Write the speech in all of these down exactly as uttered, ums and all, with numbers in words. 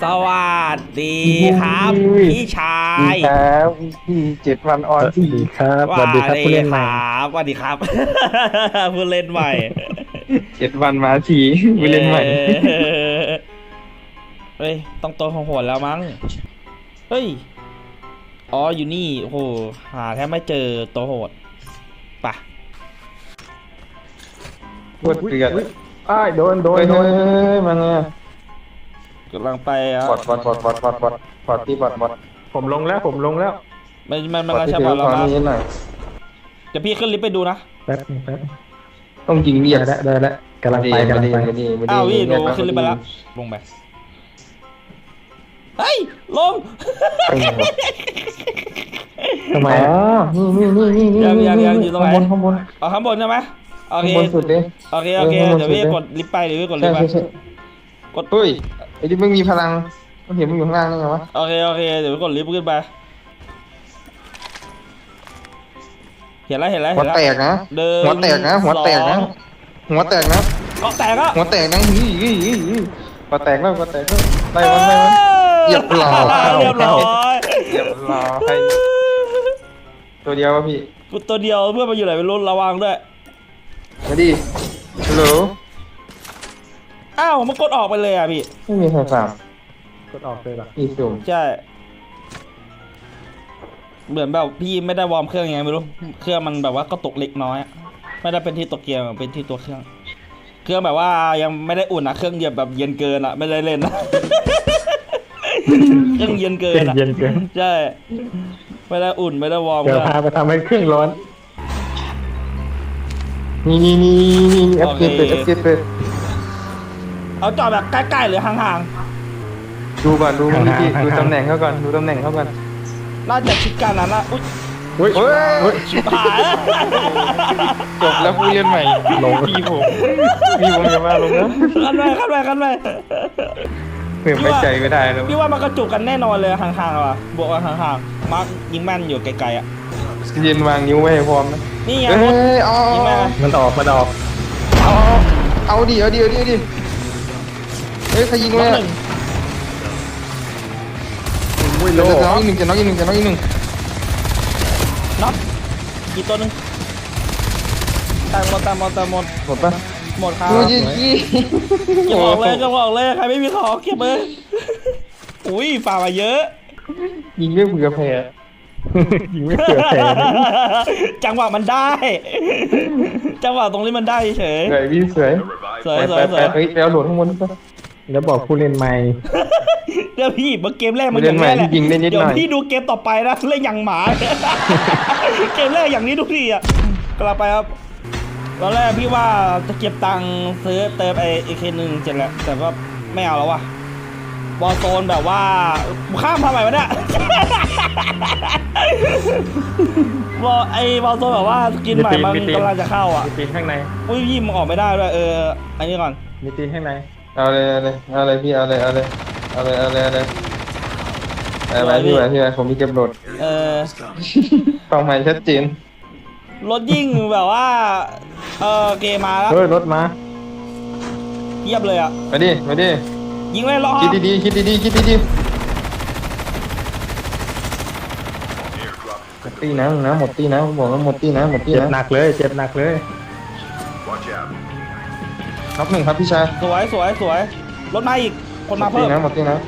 สวัสดีครับพี่ชายครับพี่เจ็ดวันออนทีครับสวัสดีครับผู้เล่นใหม่สวัสดีครับผู้เล่นใหม่เจ็ดวันมาทีผู้เล่นใหม่เฮ้ยต้องตัวของโหดแล้วมั้งเฮ้ยอ๋ออยู่นี่โอ้โหหาแทบไม่เจอตัวโหดปะปวดเกลียดอ้ายโดนโดนเฮ้ยโดเฮ้นยเฮ้ยมันไงกำลังไปอ่ะบอดบอดบอดบอดบอดบอดบอดที่บอดบอดผมลงแล้วผมลงแล้วมันมันมันบอดที่ใช่ถืป่ะอเราความนะนี้หน่อยเดี๋ยวพี่ขึ้นลิฟต์ไปดูนะแป๊บนึงแป๊บต้องยิงเรียกได้แล้วได้แล้วกำลังไปกำลังไปไม่ดีไม่ดีอ้าวพี่ไม่ดูดีขึ้นลิฟต์ไปแล้วลงไปเฮ้ยลงทำไมอ๋อนี่นี่นี่นี่ยังนี่ยังยังอยู่ตรงไหนข้างบนข้างบนเอาข้างบนใช่ไหมโอเคข้างบนสุดเลยโอเคโอเคเออข้างบนเดี๋ยวพี่สุดเลยกดลิฟต์ไปเดี๋ยวพี่กดลิใช่ฟต์ไปใช่ใช่กดเฮ้ยไอ้ที่มึงมีพลังมันเห็นมึงอยู่ข้างล่างนี่ไงวะโอเคโอเคเดี๋ยวพี่กดลิฟต์ขึ้นไปเห็นแล้วเห็นแล้วหัเห็วนแล้วแตกนะเดินหัวแตกนะหัวแตกนะหัวแตกนะก็แตกอ่ะหัวแตกนะฮีฮีฮีฮีหัวแตกแล้วหัวแตกแล้วไล่มันไล่มัน เรียบร้อยเรียบร้อยเรียบร้อยตัวเดียววะพี่กูตัวเดียวเพื่อนมาอยู่ไหนไม่รู้ระวังด้วยมาดิฮัลโหลอ้าวมันกดออกไปเลยอ่ะพี่ไม่มีใครฟังกดออกเลยเหรอพี่สุ่มใช่เหมือนแบบพี่ไม่ได้วอร์มเครื่องยังไงไม่รู้เครื่องมันแบบว่าก็ตกเล็กน้อยอะไม่ได้เป็นที่ตัวเกียร์เป็นที่ตัวเครื่อง เครื่องแบบว่ายังไม่ได้อุ่นนะเครื่องเย็นแบบเย็นเกินอ่ะไม่ได้เล่นนะ เครื่องเย็นเกินอ่ะเย็นเกินใช่ไม่ได้อุ่นไม่ได้วอร์มเดี๋ยวพาไปทำให้เครื่องร้อนนี่นี่นี่นี่เอฟเจเปิดเอฟเจเปิดเอาจอดแบบใกล้ๆหรือห่างดูก่อนดูมันพี่ดูตำแหน่งเขาก่อนดูตำแหน่งเขาก่อนๆน่าจะชิดกันนะนะอุ๊ยเฮ้ยเฮ้ยเฮ้ยชิบหายแล้วจบแล้วผู้เล่นใหม่ลงพี่ผมพี่ผมอย่ามาลงนะขันไปขันไปขันไปเพื่อไม่ใจไม่ได้แล้วพี่ว่ามันกระจุกกันแน่นอนเลยห่างๆว่ะบวกกันห่างๆมาร์คยิงแม่นอยู่ไกลๆอ่ะเย็นวางนิ้วไว้ให้พร้อมนะนี่ไงเฮ้ยเอายิงแม่นมันออกมันออกเอาเอาดิเอาดิเอาดิเอาดิเฮ้ยใครยิงน็เลอกยหนึ่งอุ้ยจะโลน้องอีกหนึ่งจะน้องอีกหนึ่งจะน้องอีกหนึ่งน็อกกี่ตัวหนึ่งตายหมดตายหมดตายหมดหมดปะหมดครับดูยี่ยี่เก็บออกเลยเก็บออกเลยใครไม่มีของเก็บเลยอุ้ยฝ่ามาเยอะยิงไม่เผื่อแพ้ยิงไม่เสือแผลจังหวะมันได้ จังหวะตรงนี้มันได้เฉยสวยพี่สวยสวยไปสไปวยสไปวยเฮ้ยไปเอาโหลดข้างบนปะแล้วบอกผู้เล่นใหม่เดี๋ยวพี่เมื่อเกมแรกมันเล่อน ย่างใหม่นี้แหละยิงได้นิดหน่อยเดี๋ยวพี่ดูเกมต่อไปนะเล่นอย่างหมา เกมแรกอย่างนี้ทุกทีอ่ะกลับไปครับตอนแรกพี่ว่าจะเก็บตังค์ซื้อเติมไอเอเคหนึ่งเจ็ดแหละแต่ว่าไม่เอาแล้วว่ะบอลโซนแบบว่าข้ามทำไมวะเนี่ย บอลไอบอลโซนแบบว่าสกินใหม่มันกำลังจะเข้าอ่ะมีตีนข้างในอุ้ยพี่มันออกไม่ได้ด้วยเอออันนี้ก่อนมีตีนข้างในเอาเลยเอาเลยเอาเลยพี่เอาเลยเอาเลยเอาเลยเอาเลยเอาเลยเอาไปพี่ไปพี่ไปผมมีเก็บโหลดเออเป้าหมายชัดเจนรถยิ่งแบบว่าเออเกมมาแล้วเฮ้ยรถมาเยียบเลยอ่ะมาดิมาดิยิงเลยรอคิดดีๆคิดดีๆคิดดีๆหมดตีนะนะหมดตีนะผมบอกว่าหมดตีนะหมดตีเจ็บนะหนักเลยเจ็บหนักเลยครับหนึ่งครับพี่ชายสวยสวยสวยรถมาอีกคนหมมาดตีเพิ่มนะหมดตีนะ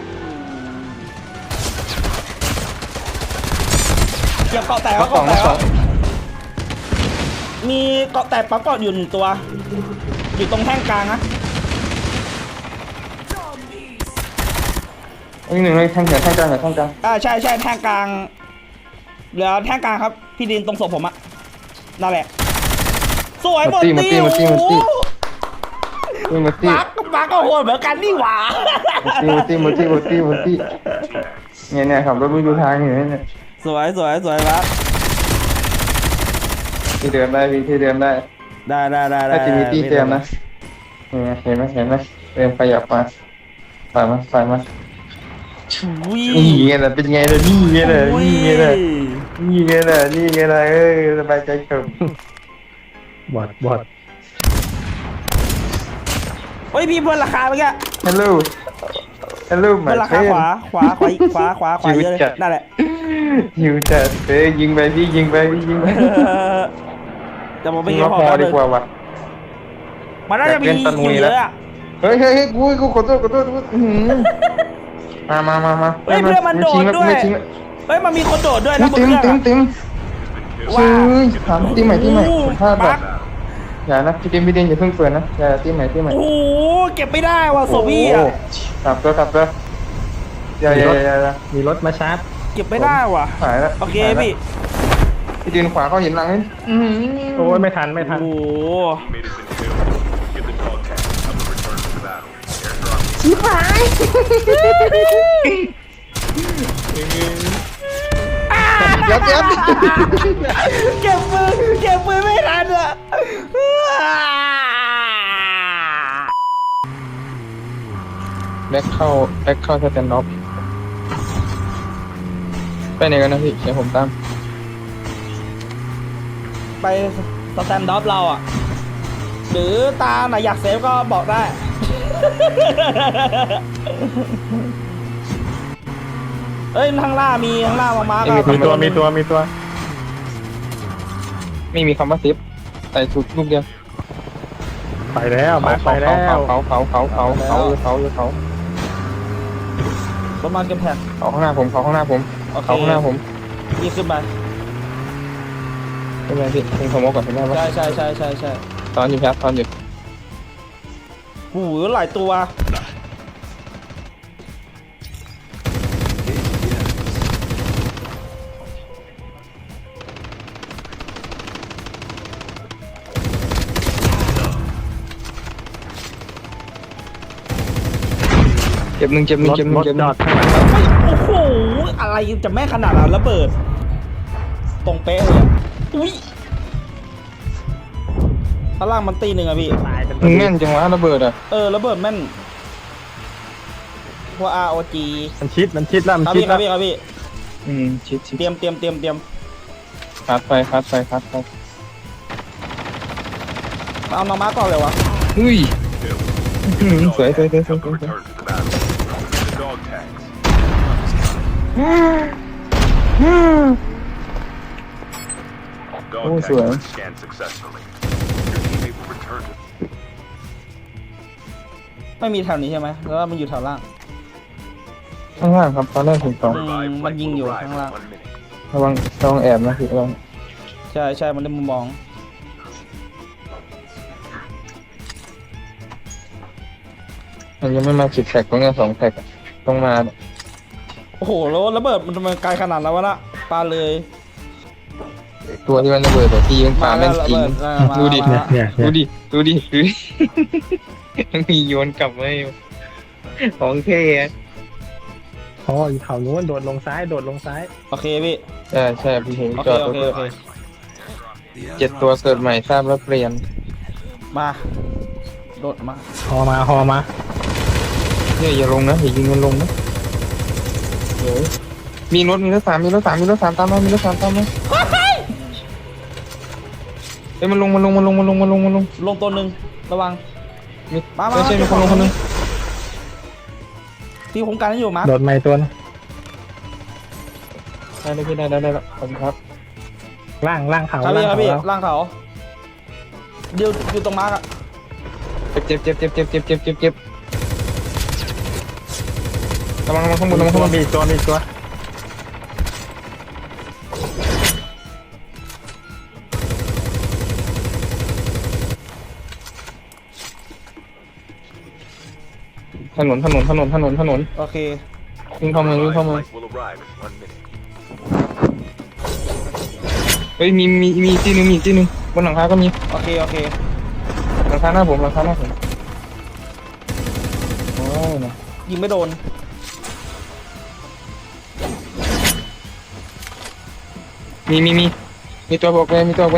เก็บเกาะแตกมาแล้วสองเกาะแตมาก สแล้อวงมีเกาะแตกปั๊บเกาะอยู่หนึ่งตัว อยู่ตรงแท่งกลางนะอีกหนึ่งเลยแท่งเขียวแท่งกลางเหรอแท่งกลางอ่าใช่ใช่แท่งกลางเหลือแท่งกลางครับพี่ดินตรงศพผมอะนั่นแหละสวยหมดหมดตีหมดตีหมดตีหมดตีปักปักก็โหดเหมือนกันนี่หว่าหมดตีหมดตีหมดตีหมดตีเนี่ยเนี่ยขับรถไปดูทางอยู่เนี่ยสวยสวยสวยปักที่เดินได้พี่ที่เดินได้ได้ได้ได้ได้ถ้าจะมีตีเต็มนะเห็นไหมเห็นไหมเดินขยับมาฝ่ายมาฝ่ายมาชุยนี่ไงล่ะเป็นไงล่ะนี่ไงล่ะนี่ไงล่ะนี่ไงล่ะนี่ไงล่ะเอ้ยสบายใจเกินบอดบอดเฮ้ยพี่เพิ่มราคาเมื่อกี้ฮัลโหล Hello บนหลังคา my ขวา friend ขวาขวาอีกขวาขวาขวาเยอะเลยชิวจัดนั่นแหละยิวจัดเอ้ยยิงไปพี่ยิงไปพี่ยิงไปเออแต่ผมไปยิงยิงมาพอพอแป๊บดีนึงกว่าว่ะมันน่าจะมีอยากเล่นตะลุอยู่ยเยแล้วอะอะเฮ้ยเฮ้ยเฮ้ยกูกูขอโทษขอโทษขอโทษอื้อหือมามามามาเฮ้ยเพื่อนมันโดดไทิ้งแล้วด้วยไม่ทิ้งแล้วเฮ้ยมันมีคนโดดด้วยนะบนเต็มเครื่องเต็มอะเต็มว้าเฮ้ยถามตีใหม่ตีใหม่โอ้โหผมพลาดแบบั๊บกอย่านะพี่เต็มพี่เต็มอย่าเพิ่งเปิดนะอย่าตีใหม่ตีใหม่โอ้โหเก็บไม่ได้ว่ะโซบี้โอ้อ่ะโหกลับตัวกลับตัวอย่าอย่าอย่าอย่ามีรถมาชาร์จเก็บไม่ได้ว่ะหายแล้วโอเคหายแล้วพี่พี่ยืนขวาเขาเห็นหลังไหมอื้อหือโอ้ยไม่ทันไม่ทันโอ้โห Teammate has been killed. Give the dog tag. Help them return to the battle. Airdrop. ชิบหาย เดี๋ยวเดี๋ยวเก็บมือเก็บมือไม่ทันอ่ะแบ็คเข้าแบ็คเข้าสแตนด์ออฟไปไหนกันนะพี่เดี๋ยวผมตามไปสแตนด์ดอฟเราอ่ะ หรือตาไหนอยากเซฟก็บอกได้ เอ้ยข้างล่างมีข้างล่างมามาร์กมีตัวมีตัวมีตัวไม่มีคำว่าซิปใส่สุดลูกเดียวไปแล้วมาไปแล้วเขาเขาเขาเขาเขาเขาเขาเขาประมาณเก็บแผ่นเขาข้างหน้าผมเขาข้างหน้าผมโอเคเขาข้างหน้าผมนี่ขึ้นไปเป็นไงพี่เป็นขโมยก่อนเห็นไหมว่าใช่ใช่ใช่ใช่ใช่ตอนอยู่ครับตอนอยู่หูหลายตัวเจ็บหนึ่งเจ็บหนึ่รง ถเจ็บหนึ่รง ถเจ็บหจนึ่อง ดข้างหลังโอ้โห อะไรจะแม่นขนาดนั้นระเบิด ตรงเป๊ะเลยอะอุ้ยข้างล่างมันตีหนึ่งอะพี่ตายกันมึงแม่นจังวะระเบิดอ่ะเออระเบิดแม่นพวก อาร์ โอ จีมันชิดมันชิดแล้วมันครับชิดพี่คแล้รับวพี่ครับพี่อืมชิดชิดเตรียมเตรียมเตรียมเตรียมคัดไปคัดไปคัดไปเอามามาร์กก่อนเลยวะอุ้ย Kill. อื้อหือสวยสวยสวยสวย Help ส them วย return to the battle. Give the dog tags. โอ้ Dog สวย tags were scanned successfully. Your teammate will return to ไม่มีแถวนี้ใช่ไหมแล้วมันอยู่แถวล่างข้างล่างครับตอนแรกถึงสองอืม Revived มัน flight ยิง will อยู่ arrive ข้าง in ล่าง one minute. ระวังระวังแอบนะพี่ระวังใช่ใช่มันได้มุมมองมันยังไม่มาสิบแท็กตรงเนี้ยสองแท็กอะต้องมาโอ้โหแล้วระเบิดมันทำไมไกลขนาดนั้นวะนะปาเลยตัวที่มันระเบิดแต่ที่ยิงปาแม่นจริงมาแล้วระเบิดดูดิมาเนี่ยเนี่ยดูดิดูดิดูดิ มีโยนกลับมาอยู่ของเท่อะอ๋ออีเขานู้นโดดลงซ้ายโดดลงซ้ายโอเคพี่ใช่ใช่พี่เห็นโอจเคอดโอรถเคโอเคเจ็ดตัวเกิดใหม่ทราบแล้วเปลี่ยนมาโดดมาฮอมาฮอมาเนี่ยอย่าลงนะอย่ายิงมันลงนะเดี๋ยวมีรถมีรถสามมีรถสามมีรถสามตามมามีรถสามตามมาเฮ้ยมันลงมันลงมันลงมันลงมันลงมันลงลงตัวหนึ่งระวังมีมามาไม่ใช่มามีคนลงคนหนึงพี่ผมกันให้อยู่มาโดดไม่ตัวนะได้ได้พี่ได้ได้ได้แล้วขอบคุณครับล่างล่างเขาครับล่าพี่งครับเขาพี่ล่างเขาเดี๋ยวอยู่ตรงมาร์กอะเจ็บเจ็บเจ็บเจ็บเจ็บเจ็บเจ็บเจ็บระวังระวังข้างบนระวังข้างบนมีอีกตัวมีอีกตัวถนนถนนถนนถนนถนนโอเควิ่งเข้ามาวิ่ง Revived เข้ามา flight will arrive in one minute. เฮ้ยมีมีมีอีกที่หนึงมีอีกที่หนึงบนหลังคาก็มีโอเคโอเคหลังคาหน้าผมหลังคาหน้าผมโอ้ยนะยิงไม่โดนมีมีมีมีตัวบอกไปมีตัวบอกไป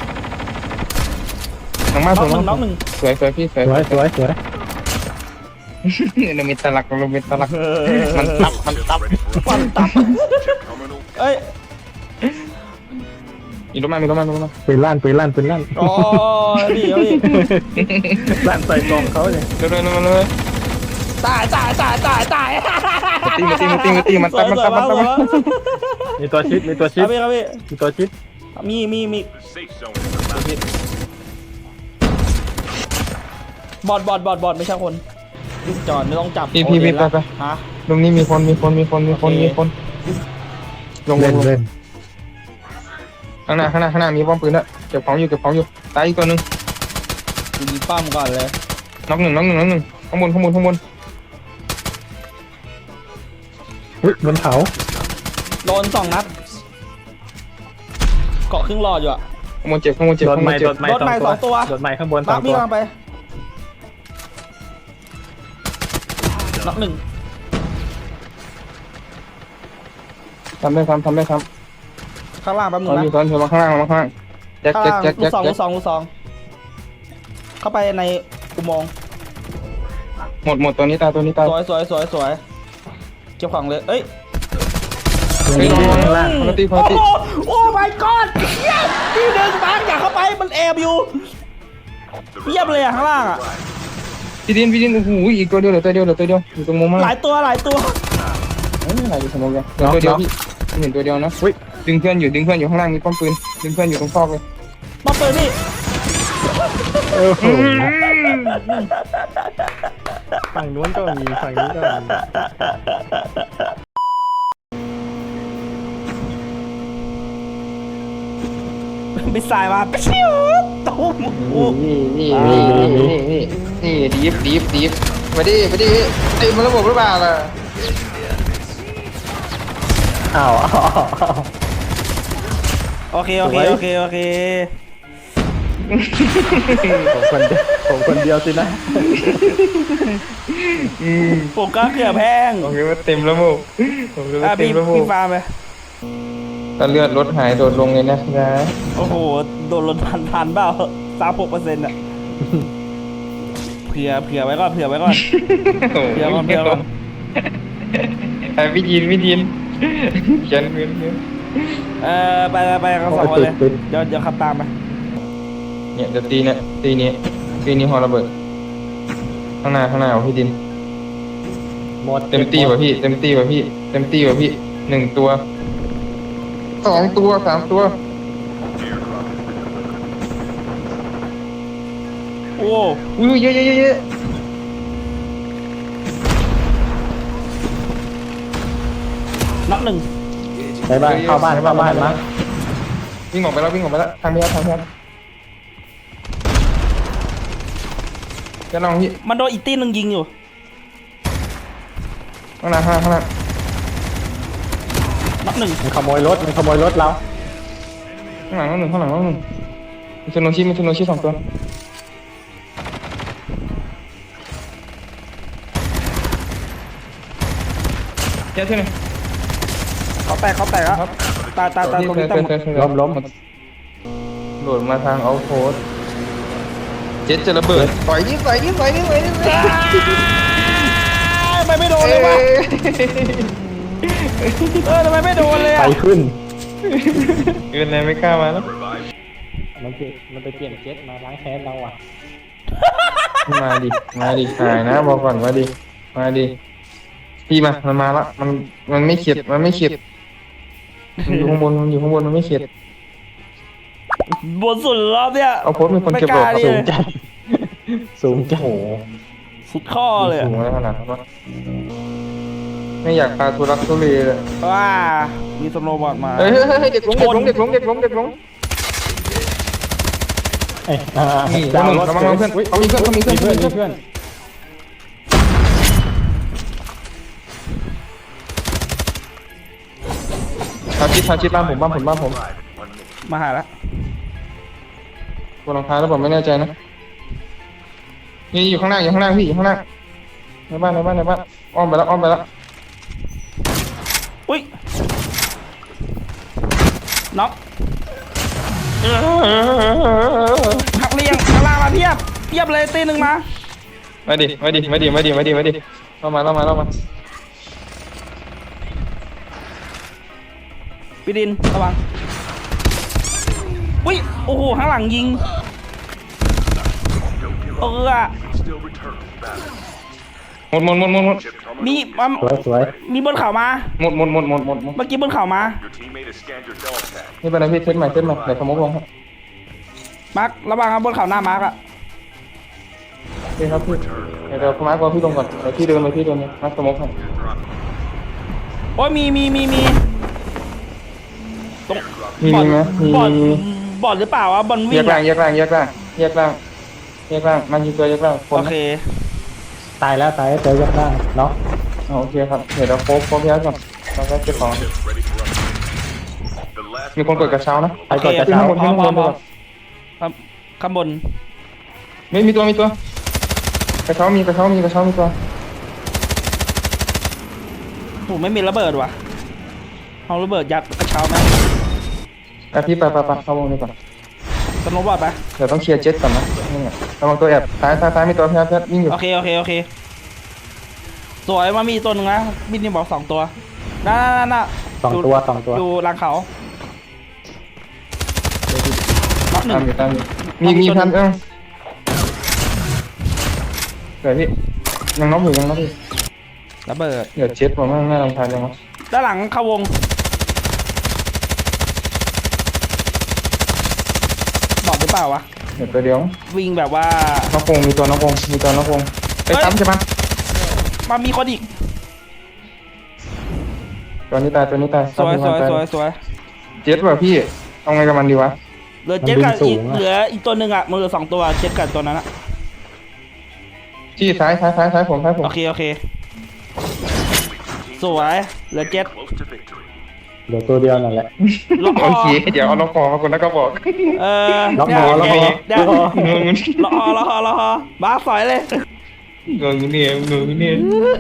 หลังบ้านน็ผอกมหนึ่งน็อกหนึ่งสวยสวยพี่สวยสวยสวยสวยเรามีตลักเรามีตลักมันตับมันตับฟันตับ Terminal เอ้ยมีรถมามีรถมามีรถมาปืนลั่นปืนลั่นปืนลั่นอ๋อพี่เอาพี่ลั่นใส่กล่องเขาเลยเร็วเร็วเร็วเร็วตายตายตายตายตายมาตีมาตีมาตีมาตีมันตัดมันตัดมันตัดมันมีตัวชิดมีตัวชิคดรับพี่ครับพี่มีตัวชิดมีมีมี The safe zone is collapsing. บอดบอดบอดบอดไม่ใช่คนพี่จอนไม่ต้องจับพี่พี่พี่ไปไปฮะตรงนี้มีคนมีคนมีคนมีคนมีคนลงลเล่งนลงเล่นข้างหน้าข้างหน้าข้างหน้ามีป้อมปืนแล้วเก็บของอยู่เก็บของอยู่ตายอีกตัวหนึ่งกูยิงปั้มก่อนเลยน็อกหนึ่งน็อกหนึ่งน็อกหนึ่งข้างบนข้างบนข้างบนอุ้ยบนเขาโดนสองนัดเกาะครึ่งหลอดอยู่อะข้างบนเจ็บข้างบนเจ็บโดนข้างบไม้นเจ็โดบนไม้รถไม้สองตัวโดนไม้ข้างบนสมาองพี่ตัวกำลังไปน็อกหนึ่งทำได้ทำทำได้ทข้างล่างแป๊บำนึตงอนนะอยู่ตอนอยู่มาข้างล่างมาข้างล่างแจ็คข้างแจ็คล่างแจ็คลูแจ็กคสองแจ็คลูกสองลูกสองเข้าไปในอุโมงค์หมดหมดตัวนี้ตายตัวนี้ตายสวยสวยสวยสวยเก็บของเลยเอ้ยเฮ้ยลงลงข้างล่างคนละตีคนละตีโอ้โหโอ้ my god เยี่ยมที่หนึ่งบางอยากเข้าไปมันแอบอยู่ The เยี่ยมเลยอะข้างล่างอะพี่ดินพี่ดินโอ้โหอีกตัวเดียวเหลือตัวเดียวเหลือตัวเดียวอยู่ตรงมุมมากหลายตัวหลายตัวเอ้ยอะไรอยู่สมองกันเหลือตัวเดียวพี่เห็นตัวเดียวนะดึงเพื่อนอยู่ดึงเพื่อนอยู่ข้างล่างมีป้อมปืนดึงเพื่อนอยู่ตรงซอกเลยป้อมปืนนี่โอ้โหฝั่งนู้นก็มีฝั่งนี้ก็มีบิสไซล์มาปิ้วตุ้มโอ้นี่นี่นี่นี่นี่นี่ดีฟดีฟดีฟมาดิมาดิไอ้มันระบบหรือเปล่าล่ะอ้าวอ้าวอ้าวโอเคโอเคโอเคโอเคผมคนเดียวผมคนเดียวสินะอืมผมก็เกือบแพงโอเคว่าเต็มระบบโอเคว่าอ่ะเต็พี่มระบบพี่ฟาร์มไปตอนเลือดลดหายโดดลงเลยนะนะโอ้โหโดนลดทันทันเปล่าสามหกเปอร์เซ็นต์อะเผื่อเผื่อไว้ก่อนเผื่อไว้ก่อน เดี๋ยวก่อนเดี๋ยวก่อนไอ้พี่ยินพี่ยินฉันเพื่อนเพื่อนเออไปไปไปกันสองคนเลยเดี๋ยวเดี๋ยวขับตามไปเนี่ยเดี๋ยวตีเนี่ยตีนี้ตีนี้ฮอระเบิดข้างหน้าข้างหน้าของพี่ดินหมดเต็มตีว่ะพี่เต็มตีว่ะพี่เต็มตีว่ะพี่หนึ่งตัวสองตัวสามตัวโอ้อุ้ยเยอะเยอะเยอะเยอะนับหนึ่งไปบ้านเข้าบ้านเข้าบ้านมั้งวิ่งออกไปแล้ววิ่งออกไปแล้วทางนี้ทางนี้จะลองพี่มันโดนอีกตีหนึ่งยิงอยู่ข้างหน้าข้างหน้าข้างหน้านับหนึ่งมันขโมยรถมันขโมยรถเราข้างหลังน้องหนึ่งข้างหลังน้องหนึ่งมีซูโนชิมีซูโนชิสองตัวเจ้าที่ไหนเขาแตกเขาแตกแล้วตายตายตายตรงนี้ตายหมดล้มล้มโดดมาทางเอาโพสเจ็ดจะระเบิดต่อยนี่ต่อยนี่ต่อยนี่ต่อยนี่ทำไมไม่โดนเลยวะเออทำไมไม่โดนเลยไปอะขึ้นเกินเลยไม่กล้ามาแล้วมันเปลี่ยนมันไปเปลี่ยนเจ็ตมาล้างแค้นเราอ่ะมาดิมาดิหายนะบอกก่อนมาดิมาดิพี่มามันมาละมันมันไม่เข็ดมันไม่เข็ดมันอยู่ข้างบนมันอยู่ข้างบนมันไม่เข็ดบนสุดรอบเนี่ยเอาโพสต์มีคนเก็บบอกไม่กล้าสูเลงยจัดสูงจัดโอ้โหสุดข้อเลยอะสูงอะไรขนาดนั้นวะไม่อยากพาทุรักทุเลเลยว้ามีสโนว์บอร์ดมาเฮ้ยเฮ้ยเฮ้ยเด็กหลงเด็กหลงเด็กหลงเด็กหลงเด็กหลงเอ้ยอ่านี่ดาวระรวัถงระวังเพื่อนเขามีเพื่อนเขามีเพื่อนมีเพื่อนเขามีมีเพื่อนเพื่อนทาชิดทาชิดบ้านผมบ้านผมบ้านผมมาหาแล้วบนหลังคาแล้วผมไม่แน่ใจนะนี่อยู่ข้างหน้าอยู่ข้างหน้าพี่อยู่ข้างหน้าในบ้านในบ้านในบ้านอ้อมไปแล้วอ้อมไปแล้วอุ้ยน็อกหักเรียงข้างล่างมาเพียบเพียบเลยตีหนึ่งมามาดิมาดิมาดิมาดิมาดิมาดิเข้ามาเข้ามาเข้ามาพี่ดินระวังอุ้ยโอ้โหข้างหลังยิงเออ Still return to battle. หมดหมดหมดหมดหมด Chip terminal. มีมันสวยสวยมีบนเขามาหมดหมดหมดหมดหมดหมดเมื่อกี้บนเขามา Your teammate has scanned your dog tag. นี่เป็นอะไรพี่เซ็ตใหม่เซ็ตใหม่เดี๋ยวสมมติลงครับมาร์คระวังครับบนเขาหน้ามาร์คอะโอเคครับพี่เดี๋ยวเดี๋ยวมาร์คว่าพี่ลงก่อนเดี๋ยวพี่เดินไปพี่เดินมาร์คสมมติให้โอ้ยมีมีมีมีตรงมีมีไหมมีบอลมีบอลหรือเปล่าวะบอลแยวิ่งกล่างอะแยกล่างแยกล่างแยกล่างแยกล่างมันยิงตัวแยกล่างคนโอนะเคตายแล้วตายแล้วเจอยักษ์ได้เนาะอ๋อโอเคครับเดี๋ยวเราโป๊ะโป๊ะย้ายก่อนเราก็เก็บของ Chips ready for upgrade. The last มีคนกดกระเช้านะไปก่อนจะขึ้นเช้าข้างบนพร้ขึ้อน มข้างพบร้อน มพร้อมครับข้างบนไม่มีตัวมีตัวกระเช้ามีกระเช้ามีกระเช้ามีตัวโอ้ไม่มีระเบิดว่ะเอาระเบิดยัดกระเช้าไหมอ่ะพี่ไปไปไปเข้าวงนี้ก่อนสโนว์บอร์ดไหมเดี๋ยวต้องเคลียร์เจ็ตก่อนนะนี่ไงระวังตัวแอบซ้ายซ้ายซ้ายมีตัวพี่พี่วิ่งอยู่โอเคโอเคโอเคสวยมามีตัวหนึ่งนะบินนี่บอกสองตัวน่าน่าน่าน่าสองตัวสองตัวอยู่หลังเขาน็อกหนึ่ตามงอยู่ตามอยู่มีมีพันเอ้าเดี๋ยวพี่ยังน้องอยู่ยังน้องอยู่ระเบิดเดี๋ยวเจ็ตผมว่าน่ารำคาญจังวะด้านหลังเข้าวงบอกหรือเปล่าวะเดี๋ยวตัวเดียววิ่งแบบว่าน้องคงมีตัวน้องคงมีตัวน้องคงไปเฮ้ยซ้ำใช่ปะมามีคนอีกตัวนี้ตายตัวนี้ตายสวยสวยสวยสวยเจ็ตว่ะพี่เอาไงกับมันดีวะเหลือเจ็ดกับอีกเหลืออีกตัวหนึ่งอ่ะมันเหลือสองตัวเจ็ดกับตัวนั้นอ่ะที่ซ้ายซ้ายซ้ายซ้ายผมซ้ายผมโอเคโอเคสวยเหลือเจ็ด close to victory. เดี๋ยวตัวเดียวนั่นแหละล็อกคโออเคเดี๋ยวเอาน้องคอมาคนแล้วก็บอกเออล็อกเนี่คยอล็อกคอเนี่ยล็อกคองงล็อกคอล็อกคอล็อกคอบ้าสอยเลยงงเนี่ยงงเนี่ย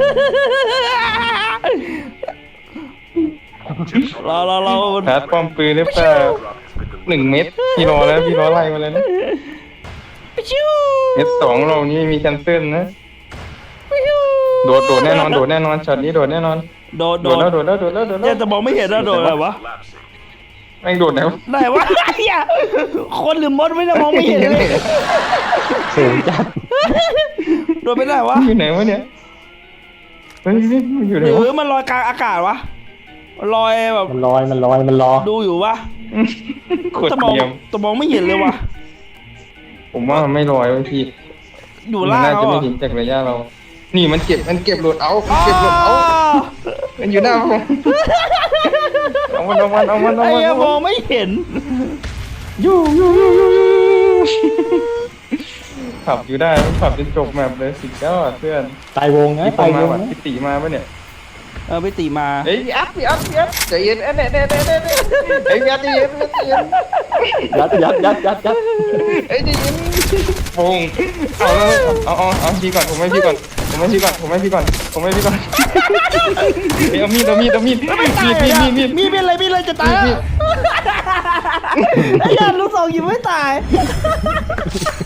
รอรอรอชาร์จป้อมปืนได้เปล่าหนึ่งเม็ดพี่รอแล้วพี่รอไล่มาเลยนะชิวเม็ดสองเรานี่ไม่มีแคนเซิลนะโดดโดดแน่นอนโดดแน่นอนช็อตนี้โดดแน่นอนโดดโดโดดดแล้วโดดแล้วโดดแล้วโดดแล้เนี่วยจะมองไม่เห็นนะโดดอะไรวะ Collapsing. แม่งโดดแล้วไหนวะไอ้เหี้ยคนหรือมดไม่ได้มองไม่เห็นเลยสูงจัดโดดไปไหนวะอยู่ไหนวะเนี่ยเฮ้ยมันอยู่ไหหนรือวะมันลอยกลางอากาศวะลอยแบบมันลอยมันลอยมันรอดูอยู่วะขวดจะมองเทียมจะมองไม่เห็นเลยวะผมว่ามันไม่ลอยเว้ยพี่อยู่มันล่างน่าเขาจะไม่อะถึงจากระยะเรา นี่มันเก็บมันเก็บโหลดเอามันเก็บโหลดเอามันอยู่หน้าผมเอามันเอามันเอามันเอาไอ้มันเหี้ยเอามมัองนไม่เห็นยูยูยูยูยูขับอยู่ได้ขับจนจบแมปเลยสุดยอดเพื่อนตายวงไงพี่ปตาองยมาวงว่ะนะพี่ตีมาปะเนี่ยเออไปตีมาเฮ้ยพี่อัพพี่อัพพี่อัพใจเย็นเอ้ยเน่เน่เน่เน่เน่เฮ้ยพี่อัพใจเย็นใจเย็นยัดยัดยัดยัดยัดเฮ้ยใจเย็นปงเอาแล้วเอาเอาเอาพี่ก่อนผมให้พี่ก่อนผมให้พี่ก่อนผมให้พี่ก่อนผมให้พี่ก่อนเฮ้ยเอามีดเอามีดเอามีดมีดมีดมีดมีดมีเป็นอะไรมีอะไรจะตายแล้วมีดไอ้ยันลูกสองยิงไม่ตาย